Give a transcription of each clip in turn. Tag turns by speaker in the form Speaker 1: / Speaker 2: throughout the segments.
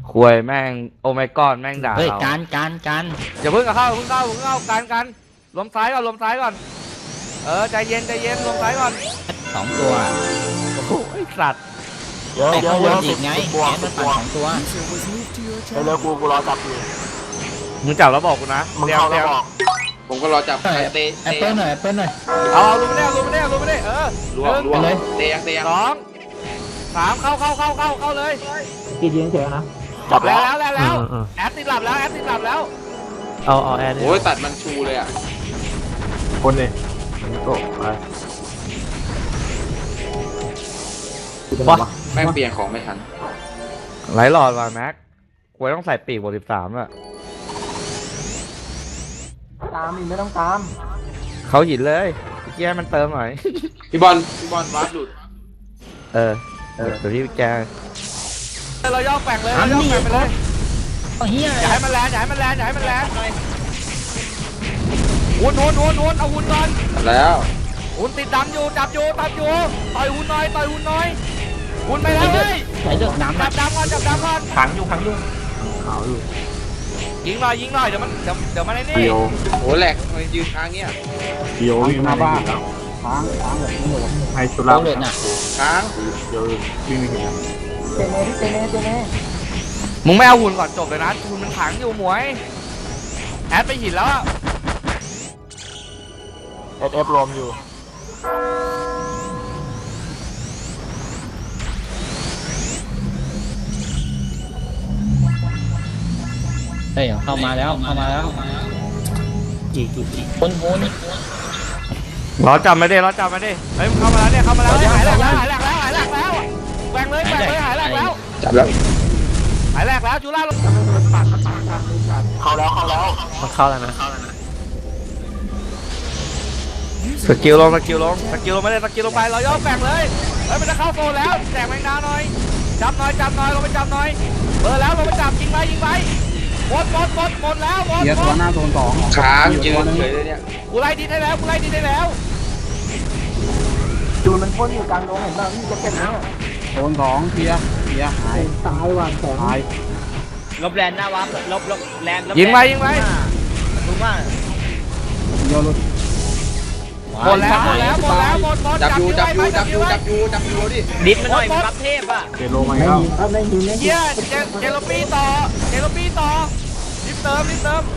Speaker 1: ควยแม่งโอไมก้อนแม่งด่า
Speaker 2: เฮ้ย
Speaker 1: เรา
Speaker 2: การ
Speaker 1: อย่าเพิ่งเข้ากันลมซ้ายก่อนใจเย็นลมซ้ายก่อน
Speaker 2: 2 ตัว
Speaker 1: โอ้โหไอ้สัตว์
Speaker 3: เดี๋ยว
Speaker 2: ไอ้
Speaker 3: เดี๋ย
Speaker 2: ข้าว งบ
Speaker 3: เดี๋ย
Speaker 2: น
Speaker 3: ว
Speaker 2: อีกไง
Speaker 3: บว
Speaker 2: แอก นมันปั่น 2 ตัว
Speaker 3: เร็วกูรอจับอยู่
Speaker 1: มึงจับแล้วบอกกูนะ
Speaker 3: มึงเข้าแล้วบอก
Speaker 4: ผมก็รอจับ
Speaker 2: แอปเปิ้ลหน่อย
Speaker 1: เอาลงไม่ได้ลงไม่ได้
Speaker 4: ล่วง
Speaker 2: ไปเลย
Speaker 4: เตะยัง
Speaker 1: 2 3เข้าเลย
Speaker 5: กี่ยิงเฉยนะ
Speaker 3: จับแล้ว
Speaker 1: แล้วแอดติดหลับแล้ว
Speaker 5: เอาแอร์
Speaker 4: โอ้ยตัดมันชูเลยอ่ะ
Speaker 3: คนนี่โอ้ไป
Speaker 4: แม่งเปลี่ยนของไม่ทัน
Speaker 1: ไหลหลอดว่ะแม็กควยต้องใส่ปีกบวก13อ่ะ
Speaker 5: ตามอีกไม่ต้องตาม
Speaker 1: เขาหินเลยแก้มันเติมหน่อย
Speaker 4: พี่บอลวาร์ปหลุด
Speaker 1: เดี๋ยวที่แกเราย่อแฝงเลย
Speaker 2: เฮีย
Speaker 1: อย่าให้มันแรงหุ่นเอาหุ่นก่อน
Speaker 4: แล้ว
Speaker 1: หุ่นติดดำอยู่จับอยู่ต่อยหุ่นหน่อยหุ่นไปแล้วเฮ้ย
Speaker 2: ใส่เลือกน้ำ
Speaker 1: จับดำก่อน
Speaker 5: ขังอยู่
Speaker 3: ขาวอยู่
Speaker 1: ยิงหน่อยเดี๋ยวมันไอ้นี่
Speaker 3: เดียว
Speaker 4: โอ้แหลกมันยืนค้างเงี้ย
Speaker 3: เดียววิ่งมาบ้านค้างแบบนี้หมดให้สุรา
Speaker 2: ต้องเลือดน่ะ
Speaker 4: ค้าง
Speaker 3: เดียววิ่งไม่ถึง
Speaker 5: เจเน่
Speaker 1: มึงไม่เอาหุ่นก่อนจบเลยนะหุ่นมันขังอยู่หมวยแอดไปหินแล้ว
Speaker 3: SF รวมอยู่
Speaker 2: เฮ้ยเข้ามาแล้วกี่คน
Speaker 1: รอจับมาดิเฮ้ยมึงเข้ามาแล้วหายแหลกแล้วแหวงเลยหายแหลกแล้ว
Speaker 4: จับแล้ว
Speaker 1: หายแหลกแล้วจูล่าลง
Speaker 3: เข้าแล้ว
Speaker 5: มันเข้าแล้วนะ
Speaker 1: สกิลลงไม่ได้สกิลลงไปเราย่อแฝงเลยเฮ้ยมันจะเข้าโซนแล้วแตกแมงดาหน่อยจับหน่อยลงไปจับหน่อยเบอร์แล้วลงไปจับยิงไปหมดแล้ว
Speaker 3: เกียร์ตัวหน้าโซน2
Speaker 4: ค้างยืนเฉยเลยเนี่ย
Speaker 1: กูไล่ดินได้แล้ว
Speaker 5: จูนมันพ่นอยู่กลางดงเห็นป่ะนี่จะเก็บนะ
Speaker 3: โซน2เกียร์หาย
Speaker 5: ตายว่ะแสง
Speaker 3: หาย
Speaker 6: ลบแลนหน้าวับลบแลน
Speaker 1: ยิงไป
Speaker 6: ถูกว่า
Speaker 3: เดียวหลุด
Speaker 1: หมดแล้ว
Speaker 4: จับอยู่ดิ
Speaker 6: ดิสมันหน่อยบัฟเทพอ่ะ
Speaker 3: เจโลมา
Speaker 5: ไม่
Speaker 3: แล้ว
Speaker 5: ยิงครับไม่ยิง
Speaker 1: เฮียเจโรปี้ต่อรีบเติม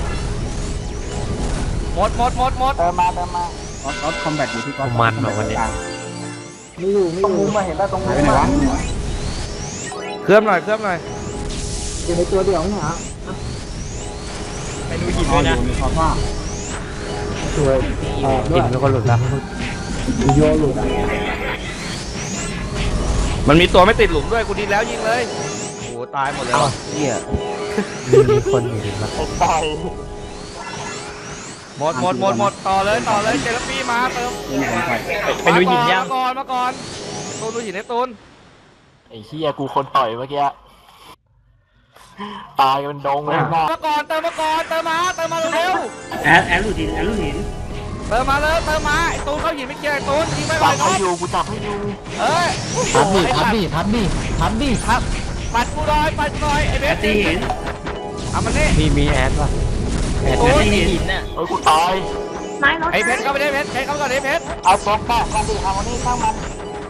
Speaker 1: หมด
Speaker 5: เติมมา
Speaker 3: ออฟคอมแบทอยู่ที่ก้อน
Speaker 5: มันแบบวันนี้ มีอยู่มุมมาเห็นป่ะตรงมุม
Speaker 3: ไปไหนวะ
Speaker 1: เคลื่อนหน่อย
Speaker 5: อยู่ในตัวเดียวนี่ฮะ
Speaker 6: ไปดูหินด้วยนะ
Speaker 3: อยู่ในคอฟ้า
Speaker 5: สวยด้ว
Speaker 1: หิ
Speaker 5: ย
Speaker 1: นเป็นคนหลุดแล้ว
Speaker 5: โยหลุดอ่ะ
Speaker 1: มันมีตัวไม่ติดหลุมด้วยกูดีแล้วยิงเลยโอ้ตายหมดเลย
Speaker 5: เหี้ย
Speaker 1: มีคนอยู่ดิหมดต่อเลยเจโรปี้มาเติม
Speaker 6: ไปดูหินยัง
Speaker 1: มาก่อนตูนดูหินให้ตูน
Speaker 3: ไอ้เหี้ยกูคนต่อยเมื่อกี้ตายกันเป็นดงเลยหน้า
Speaker 1: มาก่อนเติมมาเร็ว
Speaker 6: แอดลูหิน
Speaker 1: เติมมาไอ้ตูนเข้าหินไม่เกี่ยวไอ้ตูนยิงไม่ไหว
Speaker 3: จับ
Speaker 1: ค
Speaker 3: ให้
Speaker 1: รับ
Speaker 3: อยู่กูจับให้อยู่
Speaker 1: เอ้ย
Speaker 2: ทับดิ
Speaker 1: ครับปัดกูหน่อยไอ้เบสตีหินเอามันนี่
Speaker 5: มีแอดป่ะ
Speaker 1: ตูน
Speaker 6: หินน่ะ
Speaker 3: เฮ้ยกูตาย
Speaker 1: ไอ้เพชรเข้าไปได้เพชรเข้าก่อนไอ้เพชร
Speaker 3: เอาบล็อกแม่กันดิเอาวันนี้ข้างมัน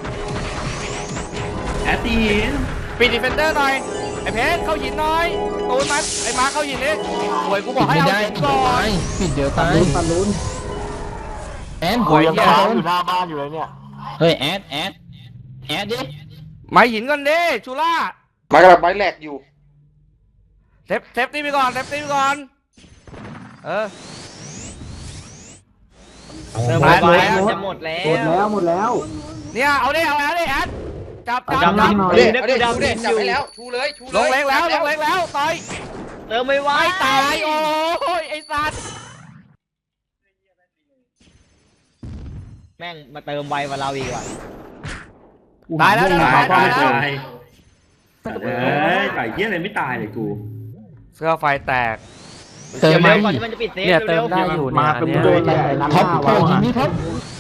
Speaker 6: แอดตีหิน
Speaker 1: ปิดดิเฟนเดอร์หน่อยไอ้เพชรเข้าหินหน่อยตูนมันไอ้มาเข้าหินนี่โวยกูบอกให้
Speaker 2: ไม่
Speaker 1: เอา
Speaker 2: ได้
Speaker 1: หินก่อน
Speaker 2: ปิดเดี๋ยวตาย
Speaker 5: ลุ้น
Speaker 2: แอน
Speaker 3: กูยังค้างอยู่หน้าบ้านอยู่เลยเนี่ย
Speaker 2: เฮ้ยแอดดิ
Speaker 1: มาหินก่อนดิชูล่าม
Speaker 4: ากำลังไม้แหลกอยู่
Speaker 1: เซฟตี้ไปก่อนเออ
Speaker 6: เติมไปจะหมดแล้
Speaker 5: หมดแล้ว
Speaker 1: เนี่ยเอาดิแอดจับ
Speaker 4: เอาดิจับให้แล้วชูเลย
Speaker 1: ลงเล็กแล้วต่อย
Speaker 6: เติมไม่ไหว
Speaker 1: ไม่ตายโอ้ยไอ้สัตว์
Speaker 6: แม่งมาเติมไวกว่าเราอีกว่ะ
Speaker 1: ตายแล้ว
Speaker 7: ตายตายเยี่ยอะไรไม่ตายเลยกู
Speaker 1: เสื้อไฟแตก
Speaker 2: เติม
Speaker 6: เร็
Speaker 2: มาว
Speaker 6: ก่อนที่มันจะปิดเซฟ
Speaker 5: เนี่ยเติ
Speaker 6: เร็
Speaker 5: ม
Speaker 6: ว
Speaker 5: ได้อยู่
Speaker 3: มา
Speaker 5: เนี่ย
Speaker 3: เป็น
Speaker 5: เนี่ย
Speaker 3: โดนแหละ
Speaker 2: ท็อปโอ้ยิงนี่ท็อป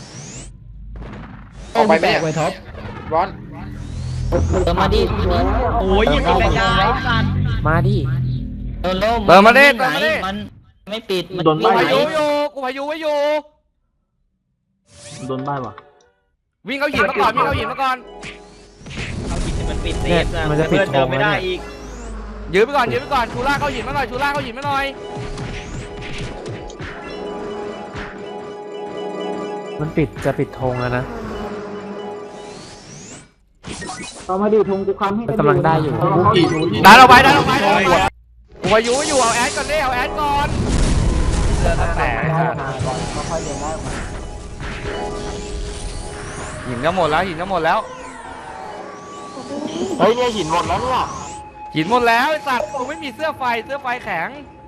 Speaker 4: ออกไป
Speaker 2: แต
Speaker 4: แม่
Speaker 2: กไว้ท็อป
Speaker 4: ร้อน
Speaker 2: เติมมาดิ
Speaker 6: โอ้ยยิงเป็นกายสัตว์
Speaker 5: มาดิ
Speaker 2: โดนโล่
Speaker 1: เติมมาดิ
Speaker 2: ไหน
Speaker 1: เติมมาดิ
Speaker 2: มันไม่ปิดมัน
Speaker 3: โดน
Speaker 1: กู
Speaker 3: ใบ้
Speaker 1: พายุอยู่กูพายุไว้อยู่
Speaker 3: โดนใบ้ว่ะ
Speaker 1: วิ่งเขาหินมาก่อนวิ่งเขาหินมาก่อน
Speaker 6: เอาหินมันปิดเซฟนะ
Speaker 5: มันจะปิด
Speaker 6: เพื่อนเดินไม่ได้
Speaker 5: โถงแล้วเนี่ย
Speaker 6: อีก
Speaker 1: ยืนไปก่อนยืนไปก่อนชูล่าเขาหินมาหน่อยชูล่าเขาหินมาหน่อย
Speaker 5: มันปิดจะปิดธงแล้วนะ
Speaker 3: เอามาดิทงกูคันให้
Speaker 5: มันกำลังได้อยู่
Speaker 1: ดันออกไปดันออกไปดันออกไปกูพายุไว้อยู่เอาแอดก่อนดิเอาแอดก่อนเดินแต่หินก็หมดแล้วหินก็หมดแล้ว
Speaker 5: เฮ้ยเนี่ยหินหมดแล้วเนี่ย
Speaker 1: หินหมดแล้วไอ้สัตว์กูไม่มีเสื้อไฟแข็ง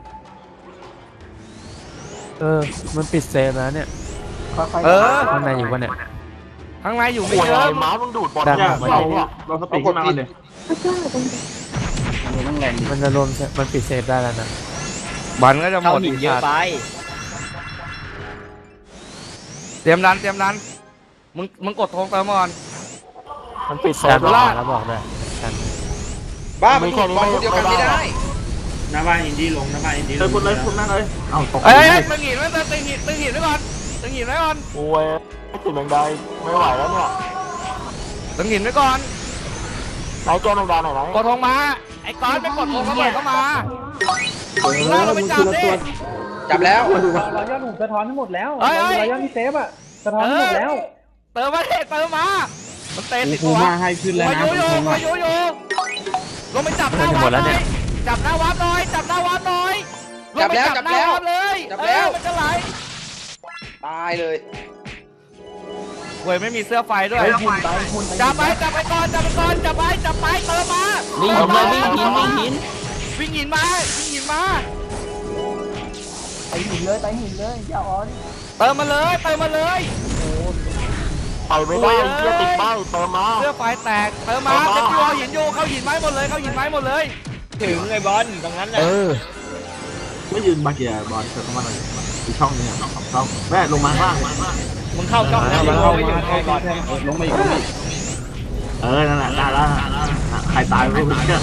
Speaker 5: มันปิดเซฟแล้วเนี่ย
Speaker 1: เออ
Speaker 5: ข้างในอยู่ปะเนี่ย
Speaker 1: ข้างในอยู่ไม่เยอะ
Speaker 5: ดันออกมาดิ
Speaker 3: เราสปีดขึ้นมาเลยมันแรง
Speaker 5: มันจะรวมมันปิดเซฟได้แล้วนะ
Speaker 1: บันก็จะห
Speaker 6: เข้าม
Speaker 1: ด
Speaker 6: หิ
Speaker 1: อี
Speaker 6: น
Speaker 1: ก
Speaker 6: เยอะ
Speaker 1: สัตว์
Speaker 6: ไป
Speaker 1: เตรียมดันมึงกดธงเติมก่อน
Speaker 5: มันปิดเซฟ
Speaker 1: ดันล่าง
Speaker 5: แล้วบอกด้วยกัน
Speaker 4: บ้ามันถูกบอลคนเดียวกันไม่ได้
Speaker 7: หน้าบ้านอินดี้ลงหน้าบ้านอินดี้ลง
Speaker 3: คุณเลยคุณนั่งเลยเอ้าตก
Speaker 1: เอ้ยตึงหินไว้ตึงหินไว้ก่อนตึงหินไว้ก่อน
Speaker 5: โอ้ยติดแมงดาไม่ไหวแล้วเนี่ย
Speaker 1: ตึงหินไว้ก่อน
Speaker 5: ไหนแก้แมงดาหน่อยไหม
Speaker 1: กดธงมาไอ้ก้อนไปกดธงระเบิดเข้ามาชูล่าเราไปจับดิ
Speaker 4: จับแล้ว
Speaker 5: เรายอดหนุ่มสะท้อนทั้งหมดแล้ว
Speaker 1: เฮ้ย
Speaker 5: เรายอดที่เซฟอะสะท้อนทั้งหมดแล้ว
Speaker 1: เติมมาดิเติมมามันเตะติด
Speaker 3: กู
Speaker 1: ตัว
Speaker 3: มาให้ขึ้นแล้ว
Speaker 1: พา
Speaker 3: นะ
Speaker 1: ยุอยู่พายุอยู่ลงไปจับหน้าวัดหน่อยจับหน้าวัดหน่อยจับหน้าวัดหน่อยลงไปจับหน้าวัดเลยมันจะไหล
Speaker 4: ตายเลย
Speaker 1: เว้ยไม่มีเสื้อไฟด้วยจับไปก่อนจับไปเติมมา
Speaker 2: วิ่งหินเลยวิ่งหิน
Speaker 1: วิ่งหินมา
Speaker 5: ไปหินเลยอย่าอ่อน
Speaker 1: เติมมาเลย
Speaker 5: ไปไม่ได้เกียติดป้ายเติมมา
Speaker 1: เสื้อไฟแตกเติมมาเต็มตัวหินอยู่เข้าหินไม้หมดเลย
Speaker 6: ถึงไอ้บอลตรงนั้นน่ะ
Speaker 3: ไม่ยืนบาเกียบอลเธอเข้ามาเลยอีกช่องนึงสองช่องแม่ลงมาข้าง
Speaker 6: มึงเข้าช่องนั้นเข้าไปถึงไอ้บอล
Speaker 3: ลงมาอีกนั่นแหละได้แล้วใครตายไม่รู้เนี่ย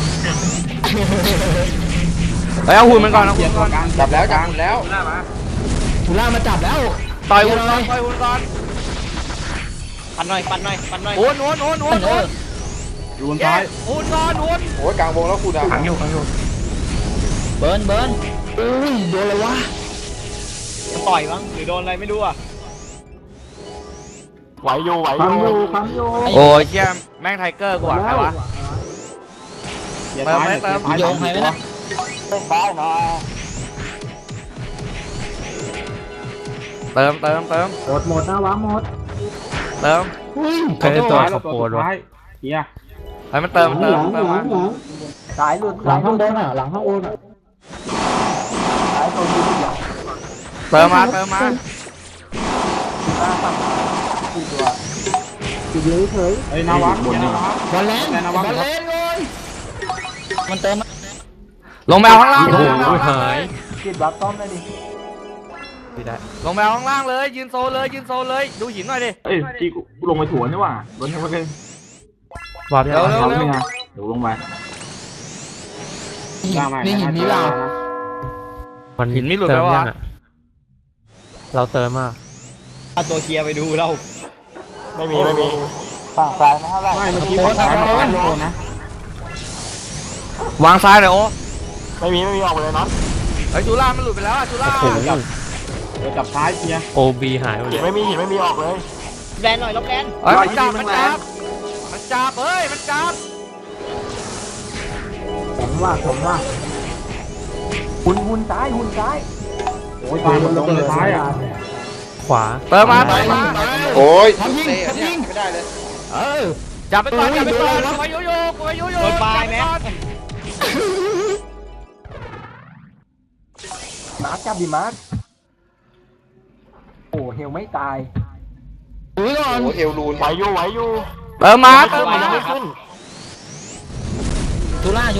Speaker 1: เอาหุ่นมันก่อนเอา
Speaker 3: เกี
Speaker 1: หุ่
Speaker 3: ย
Speaker 1: น
Speaker 3: ร์
Speaker 1: ก่อน
Speaker 3: กลาง
Speaker 4: จับแล้ว
Speaker 2: ทุล่ามาจับแล้ว
Speaker 1: ต่อยหุ่นก่อน
Speaker 6: ปันหน่อย
Speaker 1: หุ่น
Speaker 3: อยู่บนซ้าย
Speaker 1: หุ่นก่อนหุ่น
Speaker 4: โอ้ยกลางวงแล้วคุณอ่ะ
Speaker 2: เบิร์นอุ้ยโดนเลยวะ
Speaker 6: จะต่อยมั้งหรือโดนอะไรไม่รู้อ่ะ
Speaker 5: ไหวอยู่
Speaker 1: โอ้ยเชี่ยแม่งไทเกอร์กว่าใครวะ
Speaker 2: โยงใครไหมนะ
Speaker 1: เติม
Speaker 3: หมดนะวะหมด
Speaker 1: เติม
Speaker 5: เคยตัวขบโปดวะ
Speaker 3: เฮีย
Speaker 1: ให้มันเติมมา
Speaker 5: สายหลุดหลังข้างบนหลังข้างบนสายตรงนี้อย่าง
Speaker 1: เติมมา
Speaker 3: ไอ้นาวะบนนี่
Speaker 2: บอลแลนเลยมันเติม
Speaker 1: ลงแมวข้างล่าง
Speaker 5: โอ้
Speaker 1: เลย
Speaker 5: โหหายกินบัฟต้อมได้ดิไม่ได้
Speaker 1: ลงแมวข้างล่างเลยยืนโซเลยดูหินหน่อยดิ
Speaker 3: เอ้ยจีกูลงไปถั่วนี่ว่ะบนทั้งวันเลย
Speaker 5: บัฟ
Speaker 1: เร็ว
Speaker 3: เดี๋ยวลงไป
Speaker 2: นี่หินนี้เรา
Speaker 5: มัน
Speaker 1: หินไม่หลุด
Speaker 5: เติ
Speaker 1: แล้
Speaker 5: ม
Speaker 1: ว
Speaker 5: ยั
Speaker 1: วะ
Speaker 5: งอะเราเติมมาก
Speaker 6: เอาตัวเคลียร์ไปดูเรา
Speaker 5: ไม่มีฝั่งซ้ายนะเท่าไหร่
Speaker 3: ไม่เมื่อกี้ฝั่งซ้ายมันโดนนะ
Speaker 1: วางซ้ายเลยโอ้
Speaker 5: ไม่มีออกไปเลยนะ
Speaker 1: ไอ้จูล่ามันหลุดไปแล้วจูล่า
Speaker 3: เดี๋ยวจับซ้ายเฮีย
Speaker 5: โอบีหายหมดเลยไม่มีออกเลย
Speaker 6: แลนหน่อยลบแลน
Speaker 1: มันจับมันจับมันจับ
Speaker 5: ผมว่าหุ่นซ้าย
Speaker 3: โอ้ยตายมันลงเลยซ้ายอ่ะ
Speaker 5: ขวา
Speaker 1: เติมมา
Speaker 4: โอ้ยเตะเนี่ยไม่ได้เลย
Speaker 1: จับไปก่อนไปโยโย่
Speaker 6: โดนปลายแม็ก
Speaker 5: มาร์คจับดิมาร์คโอ้เฮลไม่ตาย
Speaker 2: อุ้ยก่อน
Speaker 4: โอ้เอลลูน
Speaker 5: ไหวอยู่
Speaker 1: เติมมา
Speaker 2: ทุล่า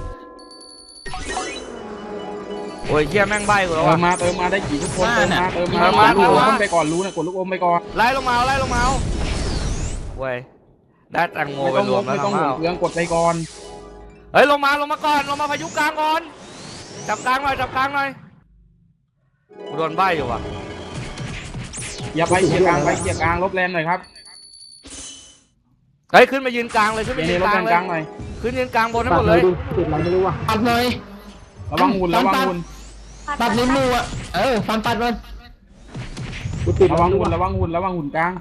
Speaker 1: โอ้ยเชี่ยแม่งใบกูแล้ว
Speaker 3: เติ
Speaker 1: ว่ะ
Speaker 3: มมาได้กี่ทุกคนเติมมาลูกอมไปก่อนรู้นะกดลูกอมไปก่อน
Speaker 1: ไล่ลงมาเว้ยได้แตงโมไปรวมแล้ว
Speaker 3: ไม่ต้องห่วงเรื่องกดไปก่อน
Speaker 1: เฮ้ยลงมาก่อนลงมาพายุกลางก่อนจับกลางหน่อยกูโดนใบอยู่ว่ะ
Speaker 7: อย่าไปเกียร์กลางไปเกียร์กลางลบแรงหน่อยครับ
Speaker 1: เฮ้ยขึ้นมายืนกลางเลยขึ้น
Speaker 7: เกี
Speaker 1: มาย
Speaker 7: ร์
Speaker 1: ยื
Speaker 7: นี้
Speaker 1: น
Speaker 7: ลบ
Speaker 1: กลาง
Speaker 7: แรง
Speaker 1: เล
Speaker 7: ก
Speaker 1: ย
Speaker 7: ลางหน่อย
Speaker 1: ขึ้นยืนกลางบนให้
Speaker 5: ปั
Speaker 1: ห
Speaker 5: ด
Speaker 1: มด
Speaker 5: เล
Speaker 1: เลย ย
Speaker 5: ดูติดอะไรไม่รู้อ่ะ
Speaker 2: ปัดหน่อย
Speaker 7: ระวังหุ่นระวังหุ่น
Speaker 2: ปัดลิ้นมืออ่ะฟันปัดมัน
Speaker 5: กูติด
Speaker 7: ระวังหุ่นระวังหุ่นระวังหุ่นกลาง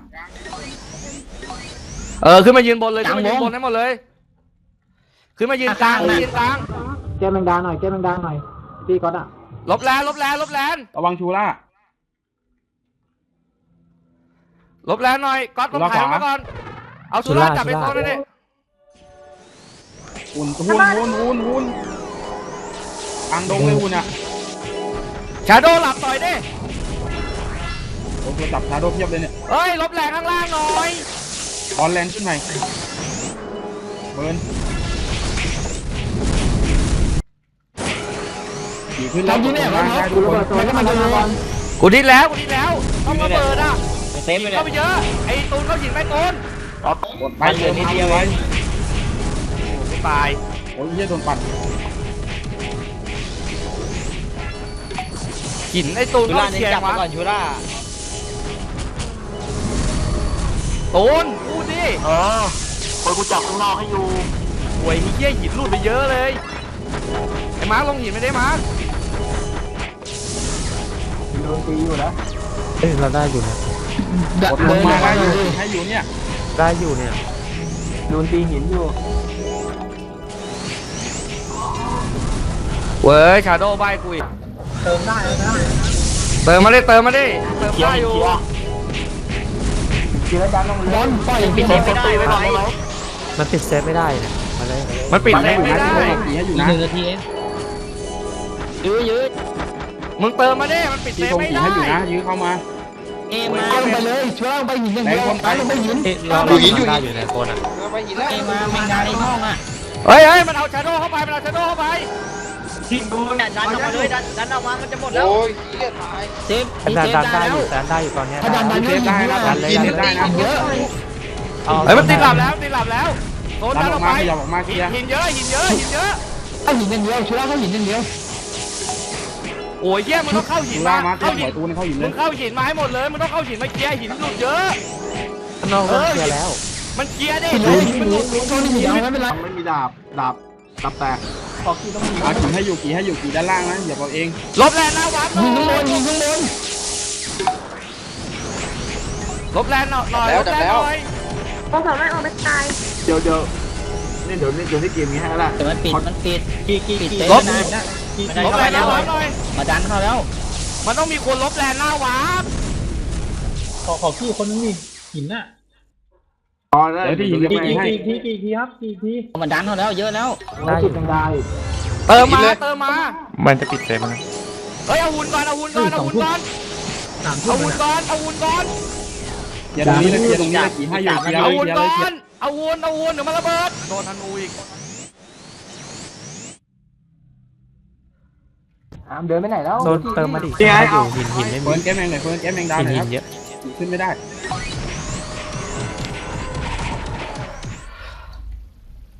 Speaker 1: ขึ้นมายืนบนเลยขึ้นมายืนบนให้หมดเลยขึ้นมายืนกลางยืนกลาง
Speaker 5: แก้แมงดาหน่อยแก้แมงดาหน่อยพี่ก๊อตอ่ะ
Speaker 1: ลบแลน
Speaker 7: ระวังชูล่า
Speaker 1: ลบแลนหน่อยก๊อตต้องถ่ายมาก่อนเอาสุราจับไปโซนเลยดิ
Speaker 7: หุ่นกลางดงเลยหุ่นอ่ะ
Speaker 1: ชาโดหลับต่อยดิ
Speaker 7: โอ้ตัวจับชาโดเพียบเลยเนี่ย
Speaker 1: เฮ้ยลบแรงข้างล่างหน่อย
Speaker 7: บอลแรงขึ้นหน่อยเบิร์นขี่ขึ้นแล้วได้ทุกคน
Speaker 5: ตัวนี้มันจะมาบอล
Speaker 1: กูดิ้นแล้วต้องระเบิดอ่ะ
Speaker 6: เซฟไปเลย
Speaker 1: เข้าไปเยอะไอ้ตูนเข้าหินไปตูน
Speaker 7: ไปเดินนิดเดียวไว้
Speaker 1: กูตาย
Speaker 7: โอ้ยเหี้ยโดนปั่น
Speaker 1: หินไอ้ตูน
Speaker 6: ชู
Speaker 1: เข้า
Speaker 6: ล่าเน้น
Speaker 1: เชีย
Speaker 6: จับ
Speaker 1: ร์
Speaker 6: ไป
Speaker 1: วะ
Speaker 6: ก่อนชูล่า
Speaker 1: ตูนพูดดิ
Speaker 3: คนกูจับข้างนอกให้อยู่
Speaker 1: หวยเหี้ยหินหลุดไปเยอะเลยไอ้มาร์คลงหินไม่ได้มาร์ค
Speaker 5: โดนตีอยู่แล้ว
Speaker 7: กดลงมาได้อยู่ให้อยู่เนี่ย
Speaker 5: โดนตีหินอยู่
Speaker 1: เว้ยชาโดใบกูอีกเติมมาดิเติมได้อยู่
Speaker 5: ทีละยันลงเลย
Speaker 2: ปล่อย
Speaker 6: ปิดเซฟไม่ได้ไว้
Speaker 1: มันปิดเซฟไม่ได้
Speaker 7: ขี่ให้อยู่นะ
Speaker 2: 1 นาทีเองยืด
Speaker 1: มึงเติมมาดิมันปิดเซ
Speaker 7: ขี่
Speaker 1: ฟ
Speaker 7: คง
Speaker 1: ไม่
Speaker 7: ขี่
Speaker 1: ได้
Speaker 7: ให้อยู่นะยื้อเข้ามา
Speaker 2: มาลงไปเลยช่วยลงไปหินอย่างเดียวลงไปหิน
Speaker 4: อยู่หินอยู่หินไปหินแล้ว
Speaker 2: มาแมงดาในห้องอ่ะ
Speaker 1: เฮ้ยมันเอาชาโดเข้าไป
Speaker 6: ดันออกมาเลยดันออกมามันจะหมดแล้ว
Speaker 4: โอ้ยเหี้ยตาย
Speaker 2: เซฟได้อยู่ถ้าดันได้
Speaker 7: เซฟได้นะ
Speaker 4: หิน
Speaker 7: เซฟได้นะ
Speaker 2: เยอะ
Speaker 1: เฮ้ยมันติดหลับแล้วโดน
Speaker 7: ดั
Speaker 1: ดั
Speaker 7: น
Speaker 1: น
Speaker 7: อ
Speaker 1: อ
Speaker 7: อ
Speaker 1: อก ก
Speaker 7: มา
Speaker 1: ไป
Speaker 7: ขยับออกมาเคลียร์
Speaker 1: หินเยอะ
Speaker 2: เข้าหินอย่างเดียว
Speaker 1: โอ้ยเยี่ยมันต้องเข้าหิ
Speaker 7: ชู
Speaker 1: น
Speaker 7: ล่า
Speaker 1: มา
Speaker 7: มาเตรีย
Speaker 1: เข้าม หิ
Speaker 7: หัวน ตูนเข้าหินเล
Speaker 1: มึ
Speaker 7: ย
Speaker 1: งเข้าหินมาให้หมดเลยมึงต้องเข้าหินมาเคลียร์หินหลุดเยอะมันเคลียร์ดิมันหลุด
Speaker 2: โดนหินเอาไม่เป็นไร
Speaker 3: ไม่มีดาบแตก
Speaker 7: ขี่ให้อยู่ขี่ด้านล่างนะอย่าเอาเอง
Speaker 1: ลบแรงนะวัด
Speaker 2: ยิงข้างบน
Speaker 1: ลบแรงหน่อย
Speaker 8: ต้องสามารถออกไปตาย
Speaker 3: เดี๋ยวนี่เดี๋ยวนี่เกมนี้ให้แล้ว
Speaker 2: แต่มันปิดปิดเซฟ
Speaker 1: ลบ
Speaker 2: นะ
Speaker 1: ลบแรงนะวัดหน่อย
Speaker 2: มาดันเข้าแล้ว
Speaker 1: มันต้องมีคนลบแรงหน้าวัด
Speaker 3: พอได้
Speaker 7: เดี๋ยวที่หินจะไปให้
Speaker 2: มันดันเข้าแล้วเยอะแล้ว
Speaker 5: ได้จุดแมงดาอีก
Speaker 1: เติมมามันจะปิดเซฟนะเฮ้ยเอาหุ่นก่อน
Speaker 7: อย่าตรงนี้เลยขี่ให้อยู่ขี่
Speaker 1: เอา
Speaker 7: เลย
Speaker 1: หุ่น
Speaker 7: ขี่
Speaker 1: ก่
Speaker 7: เล
Speaker 1: อย นเอาหุ่นเดี๋ยวมันระเบิดโดนธนูอีก
Speaker 5: เดินไปไหนแล้ว
Speaker 9: โดนเติมมาดิ
Speaker 3: นี่ไงเอา
Speaker 7: เฟิร์นแก้มแมงหน่อยเฟิร์นแก้มแมงดาวหน่อยครับขึ้นไม่ได้